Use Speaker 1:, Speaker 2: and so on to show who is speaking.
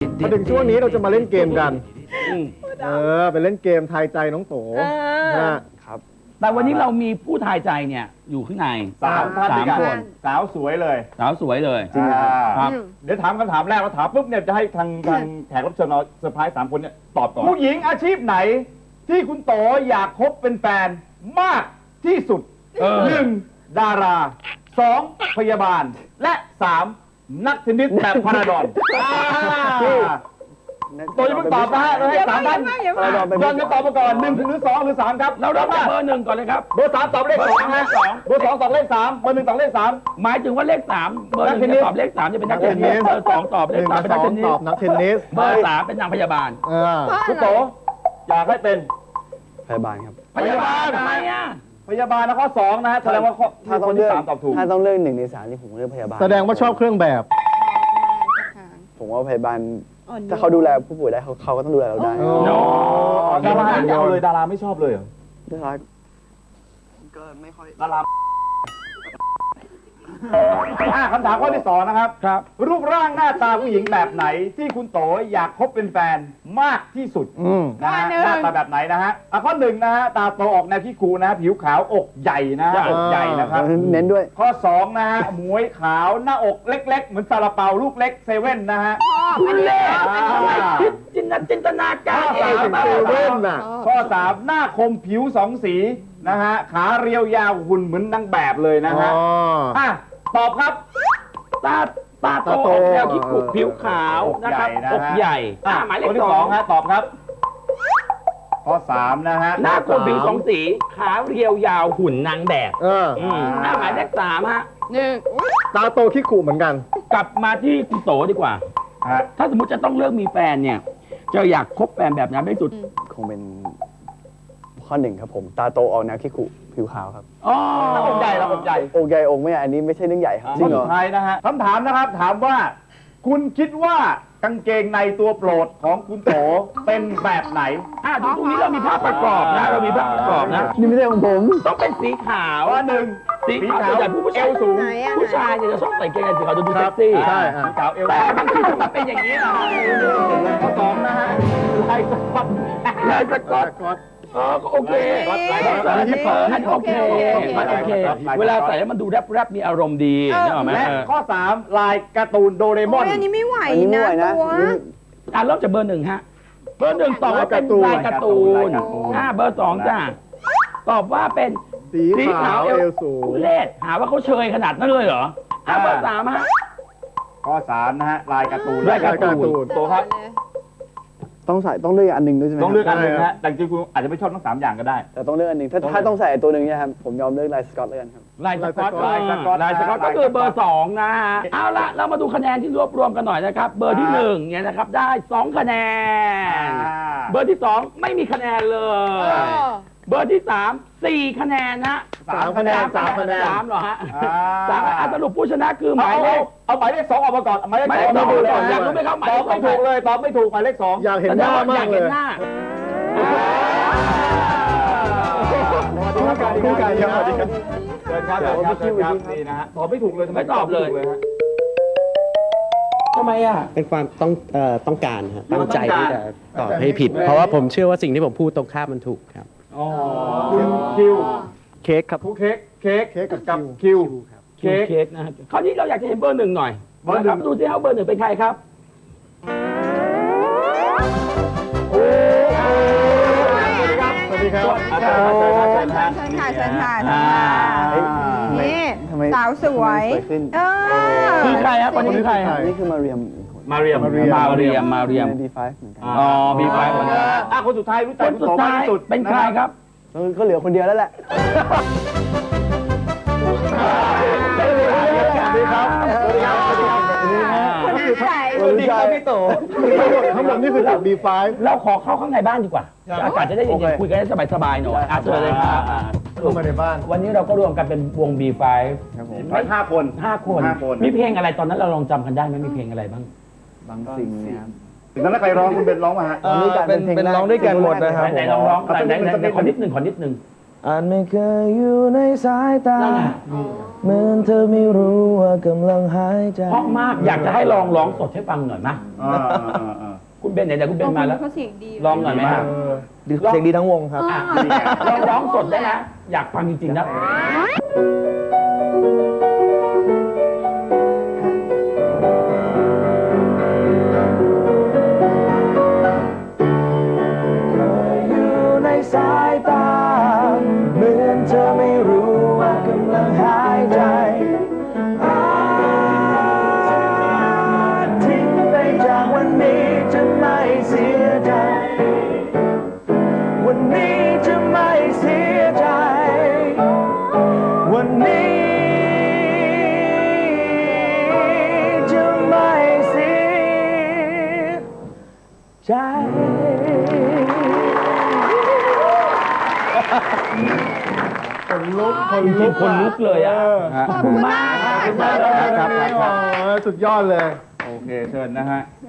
Speaker 1: มาถึงช่วงนี้เราจะมาเล่นเกมกันไปเล่นเกมทายใจน้องโต
Speaker 2: ครับแต่วันนี้เรามีผู้ทายใจเนี่ยอยู่ข้างใน
Speaker 3: 3 คนสาวสวยเลย
Speaker 2: สาวสวยเลย
Speaker 3: จริงครับเดี๋ยวถามคำถามแรกเราถามปุ๊บเนี่ยจะให้ทางแขกรับเชิญเราเซอร์ไพรส์3 คนเนี่ยตอบก่อนผู้หญิงอาชีพไหนที่คุณโตอยากคบเป็นแฟนมากที่สุด1 ดารา 2 พยาบาลและ 3 นักเทนนิสแบบพาราดอนตัวจะเพิ่งตอบนะฮะเราให้3 ท่านย้อนกันตอบมาก่อน1 หรือ 2 หรือ 3 ครับ
Speaker 2: เราเริ่มจากเบอร์ 1ก่อนเลยครับ
Speaker 3: เบอร์ 3 ตอบเลข 2 นะเบอร์ 2 ตอบเลข 3 เบอร์ 1 ตอบเลข 3
Speaker 2: หมายถึงว่าเลข 3เบอร์ 1จะตอบเลข 3จะเป็นนักเทนนิสเบอร์ 2 ตอบเลข 3เป็นนักเทนนิส
Speaker 1: นักเทนนิส
Speaker 2: เบอร์ 3เป็นนางพยาบาล
Speaker 3: คุณโตอยากให้เป็น
Speaker 4: พยาบาลครับ
Speaker 2: พยาบาลทำไมอ่ะ
Speaker 3: พยาบาลนะข้อ2นะฮะแสดงว่าถ้าคนที่3ตอบถูก
Speaker 4: ถ้าต้องเลือก1 ใน 3ที่ผมเลือกพยาบาล
Speaker 1: แสดงว่าชอบเครื่องแบบ
Speaker 4: ผมว่าพยาบาลถ้าเขาดูแลผู้ป่วยได้เขาก็ต้องดูแลเราได้
Speaker 3: ดาราไม่เอาเลยดาราไม่ชอบเลยเหรอ
Speaker 4: ดาราก็ไม่ค่อย
Speaker 3: ดาราคำถามข้อที่2นะครับรูปร่างหน้าตาผู้หญิงแบบไหนที่คุณโตอยากคบเป็นแฟนมากที่สุดนะฮะหน้าตาแบบไหนนะฮะข้อ1นะฮะตาโตออกแนวขี้คูนะผิวขาวอกใหญ่นะอกใหญ่นะครับ
Speaker 4: เน้นด้วย
Speaker 3: ข้อ2นะฮะหมวยขาวหน้าอกเล็กๆเหมือนซาลาเปาลูกเล็กเซเว่นนะฮะ
Speaker 2: เป็นเล่จินตนาการ
Speaker 3: เองข้อ3หน้าคมผิว2 สีนะฮะขาเรียวยาวหุ่นเหมือนนางแบบเลยนะฮะตอบครับ
Speaker 2: ตาโตออกแนวขี้กุผิวขาวนะครับอกใหญ่หมายเลข
Speaker 3: 2ฮะตอบครับข้อ3นะฮะ
Speaker 2: หน้าคมผิว2 สีขาเรียวยาวหุ่นนางแบบหมายเลข3ฮะ
Speaker 1: ตาโตขี้กุเหมือนกัน
Speaker 2: กลับมาที่คุณโตดีกว่าถ้าสมมติจะต้องเลือกมีแฟนเนี่ยจะอยากคบแฟนแบบไหนที่สุด
Speaker 4: คงเป็นข้อ1ครับผมตาโตออกแนวขี้กุผิวขาวครับ
Speaker 3: อกใหญ่เราอกใหญ่
Speaker 4: อกใหญ่อกไม่ใหญ่อันนี้ไม่ใช่เรื่องใหญ่ครับ
Speaker 3: จริงเหรอสุดท้ายนะฮะคำถามนะครับถามว่าคุณคิดว่ากางเกงในตัวโปรดของคุณโตเป็นแบบไหน
Speaker 2: ดูตรงนี้เรามีภาพประกอบนะเรามีภาพประกอบนะ
Speaker 4: นี่ไม่ใช่ของผม
Speaker 2: ต้องเป็นสีขาว
Speaker 3: ว่า1
Speaker 2: สีขาวส่วนใหญ่ผู้ชายสูงผู้ชายเนี่ยจะชอบใส่กางเกงสีขาวดูเซ็กซี่
Speaker 1: ใช่
Speaker 3: สีขาวเอว
Speaker 2: แต่บางทีมันเป็นอย่างนี้นะ
Speaker 3: ข้อ2นะฮะลายสก๊อต
Speaker 2: โอเคโอเคเวลาใส่แล้วมันดูแรปมีอารมณ์ดี
Speaker 3: และข้อ3ลายการ์ตูนโดเรมอน
Speaker 5: อันนี้ไม่ไหวนะตัว
Speaker 2: เริ่มจากเบอร์ 1ฮะเบอร์ 1ตอบว่าเป็นลายการ์ตูนเบอร์ 2จ้าตอบว่าเป็น
Speaker 1: สีขาวเอวสูง
Speaker 2: เลดหาว่าเขาเชยขนาดนั้นเลยเหรอเบอร์ 3ฮะ
Speaker 3: ข้อ3นะฮะลายการ์ตูนโตครับ
Speaker 4: ต้องเลือกอันหนึ่งด้วยใช่ไหม
Speaker 3: ต้องเลือกอันหนึ่งนะแต่จริงๆคุณอาจจะไม่ชอบทั้ง3 อย่างก็ได้
Speaker 4: แต่ต้องเลือกอันหนึ่งถ้าต้องใส่ตัวหนึ่งเนี่ยครับผมยอมเลือกลายสก๊อตเลยกันครับ
Speaker 2: ลายสก๊อตก็คือเบอร์ 2นะฮะเอาละเรามาดูคะแนนที่รวบรวมกันหน่อยนะครับเบอร์ที่1เนี่ยนะครับได้2 คะแนนเบอร์ที่2ไม่มีคะแนนเลยเบอร์ที่3 4 คะแนนนะ
Speaker 3: 3 คะแนน
Speaker 2: 3เหรอฮะ3สรุปผู้ชนะคือหมายเลข
Speaker 3: เอาหมายเลข2ออกมาก่อนหมายเลข2
Speaker 2: อยากรู้ไหมครับหมายเลข
Speaker 3: 2ไม่ถูกเลยตอบไม่ถูกหมายเลข2
Speaker 1: อยากเห็นหน้ามากเลย
Speaker 3: คู่กันครับเชิญครับนี่นะฮะตอบไม่ถูกเลย
Speaker 2: ไม่ตอบเลยทำไมอ่ะ
Speaker 6: เป็นความต้องการครับตั้งใจที่จะตอบให้ผิดเพราะว่าผมเชื่อว่าสิ่งที่ผมพูดตรงข้ามมันถูกครับ
Speaker 3: คุณคิว
Speaker 1: เค้กครับ
Speaker 3: เค้กกับคิว
Speaker 2: เค้กนะคราวนี้เราอยากจะเห็นเบอร์ 1หน่อยเบอร์ 1ดูสิครับเบอร์ 1เป็นใครครับ
Speaker 3: สวัสดีครับ
Speaker 5: เชิญค่ะนี่สาวสวย
Speaker 2: คือใครครับคนนี้คือใคร
Speaker 4: นี่คือมาเรียมB5 เหมือนกัน
Speaker 2: B5 เหมือนกัน
Speaker 3: คนสุดท้ายรู้จัก
Speaker 2: คนสุดท้ายเป็นใครครับ
Speaker 4: ก็เหลือคนเดียวแล้วแหละ
Speaker 3: สวัสดีครับพี่โต
Speaker 1: ทั้งหมดนี่คือจาก B5
Speaker 2: เราขอเข้าข้างในบ้านดีกว่าอากาศจะได้เย็นๆคุยกันได้สบายๆหน่อยเชิญเลยครับ
Speaker 1: เข้ามาในบ้าน
Speaker 2: วันนี้เราก็รวมกันเป็นวง B5
Speaker 3: ครับผม5 คน
Speaker 2: มีเพลงอะไรตอนนั้นเราลองจำกันได้ไหมมีเพลงอะไรบ้าง
Speaker 4: บางสิ่งนะครับ
Speaker 3: ถึงนั้นใครร้องคุณเป็นร้องมาฮะ
Speaker 1: เป็นร้องด้วยกันหมดนะครับ
Speaker 2: ไหนลองร้องไหนขอนิดนึง
Speaker 7: อาจไม่เคยอยู่ในสายตา
Speaker 2: นั่นไง
Speaker 7: เหมือนเธอไม่รู้ว่ากำลังหายใจ
Speaker 2: เพราะมากอยากจะให้ลองร้องสดให้ฟังหน่อยไหม คุณเบนไหนๆคุณเบนมาแล้ว
Speaker 5: เขาเสียงดี
Speaker 2: ลองหน่อยไหมครับ
Speaker 7: เสียงดีทั้งวงครับ
Speaker 2: อ่ะลองร้องสดได้นะ อยากฟังจริงๆนะ
Speaker 7: อยู่ในสายตาเหมือนเธอไม่รู้ว่ากำลังหายใจทิ้งไปจากวันนี้จะไม่เสียใจ วันนี้จะไม่เสียใจ วันนี้จะไม่เสียใจ
Speaker 1: คนลุก
Speaker 2: จริงๆคนลุกเลยอ่ะ
Speaker 5: ขอบคุณมาก
Speaker 2: ขอบคุณมาก
Speaker 1: ครับสุดยอดเลย
Speaker 3: โอเค เชิญนะฮะ